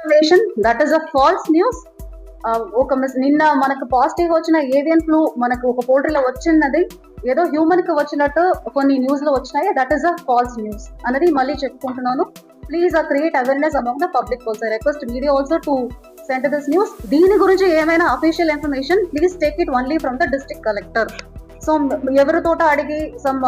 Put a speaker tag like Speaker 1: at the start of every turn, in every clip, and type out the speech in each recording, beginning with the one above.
Speaker 1: Information that is a false news. నిన్న మనకు positive వచ్చిన ఏవియన్ ఫ్లూ మనకు ఒక పోల్ట్రీలో వచ్చినది ఏదో హ్యూమన్ కి వచ్చినట్టు కొన్ని న్యూస్ లో వచ్చినాయి. That is a false news అనేది మళ్ళీ చెప్పుకుంటున్నాను. Please create awareness among the public also. Request media also to send this news. దీని గురించి ఏమైనా official information please take it only from the district collector. So ఎవరితోట అడిగి సమ్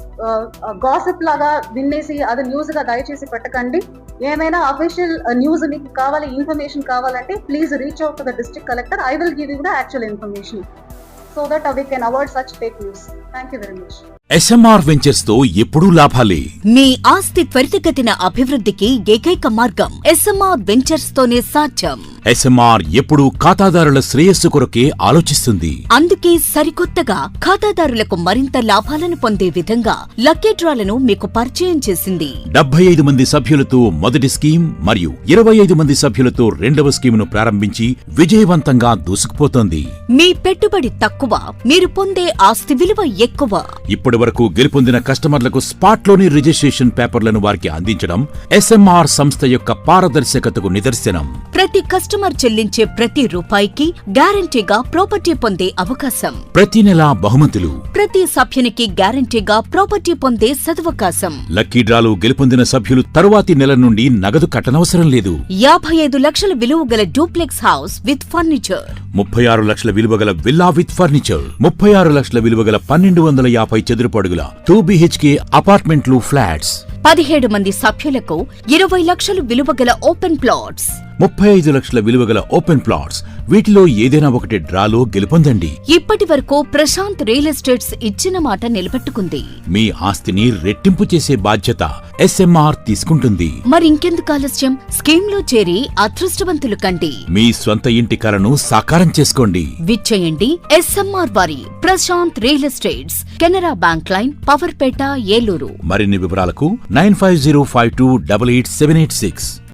Speaker 1: గాసిప్ లాగా విన్నేసి అది న్యూస్ గా దయచేసి పెట్టకండి. ఏమైనా అఫీషియల్ న్యూస్ మీకు కావాలి, ఇన్ఫర్మేషన్ కావాలంటే please reach out to the district collector. I will give you the actual information so that we can avoid such fake news. Thank you very much.
Speaker 2: SMR ventures తో ఎప్పుడూ లాభాలే.
Speaker 3: మీ ఆస్తి త్వరితగతిన అభివృద్ధికి ఏకైక మార్గం SMR వెంచర్స్ తోనే సాధ్యం.
Speaker 2: SMR ఎప్పుడూ ఖాతాదారుల శ్రేయస్సు కొరకే ఆలోచిస్తుంది.
Speaker 3: అందుకే సరికొత్తగా ఖాతాదారులకు మరింత లాభాలను పొందే విధంగా లక్కీ డ్రాలను మీకు పరిచయం చేసింది.
Speaker 2: 75 మంది సభ్యులతో మొదటి స్కీమ్ మరియు 25 మంది సభ్యులతో రెండవ స్కీమును ప్రారంభించి విజయవంతంగా దూసుకుపోతోంది.
Speaker 3: మీ పెట్టుబడి తక్కువ, మీరు పొందే ఆస్తి విలువ ఎక్కువ.
Speaker 2: ఇప్పటి వరకు గెలుపొందిన కస్టమర్లకు స్పాట్ లోని రిజిస్ట్రేషన్ పేపర్లను వారికి అందించడం SMR సంస్థ యొక్క పారదర్శకతకు నిదర్శనం.
Speaker 3: ప్రతి కస్టమర్ చెల్లించే ప్రతి రూపాయికి గ్యారంటీగా ప్రాపర్టీ పొందే అవకాశం.
Speaker 2: ప్రతి నెలా బహుమతులు.
Speaker 3: ప్రతి సభ్యునికి గ్యారంటీగా ప్రాపర్టీ పొందే సదవకాశం.
Speaker 2: లక్కీ డ్రాలు గెలుపొందిన సభ్యులు తరువాతి నెల నుండి నగదు కట్టనవసరం లేదు.
Speaker 3: 55 లక్షల విలువ గల డూప్లెక్స్ హౌస్ విత్ ఫర్నిచర్,
Speaker 2: 36 లక్షల విలువ గల విల్లా విత్ ఫర్నిచర్, 36 లక్షల విలువ గల 1250 చదురపు అడుగుల 2 BHK అపార్ట్మెంట్లు, ఫ్లాట్స్.
Speaker 3: 17 మంది సభ్యులకు 20 లక్షలు విలువ గల ఓపెన్ ప్లాట్స్,
Speaker 2: 35 లక్షల విలువ గల ఓపెన్ ప్లాట్స్. వీటిలో ఏదైనా ఒకటి డ్రాలో గెలుపొందండి.
Speaker 3: ఇప్పటి వరకు ప్రశాంత్ రియల్ ఎస్టేట్స్ ఇచ్చిన మాట నిలబెట్టుకుంది.
Speaker 2: మీ ఆస్తిని రెట్టింపు చేసే బాధ్యత SMR తీసుకుంటుంది.
Speaker 3: మరింకెందుకు ఆలస్యం? స్కీమ్ లో చేరి అదృష్టవంతులు కండి.
Speaker 2: మీ స్వంత ఇంటి కలను సాకారం చేసుకోండి.
Speaker 3: విచ్చేయండి SMR వారి Prashant real estates, Canara bank line, Powerpet, Eluru.
Speaker 2: మరిన్ని వివరాలకు 9505288786.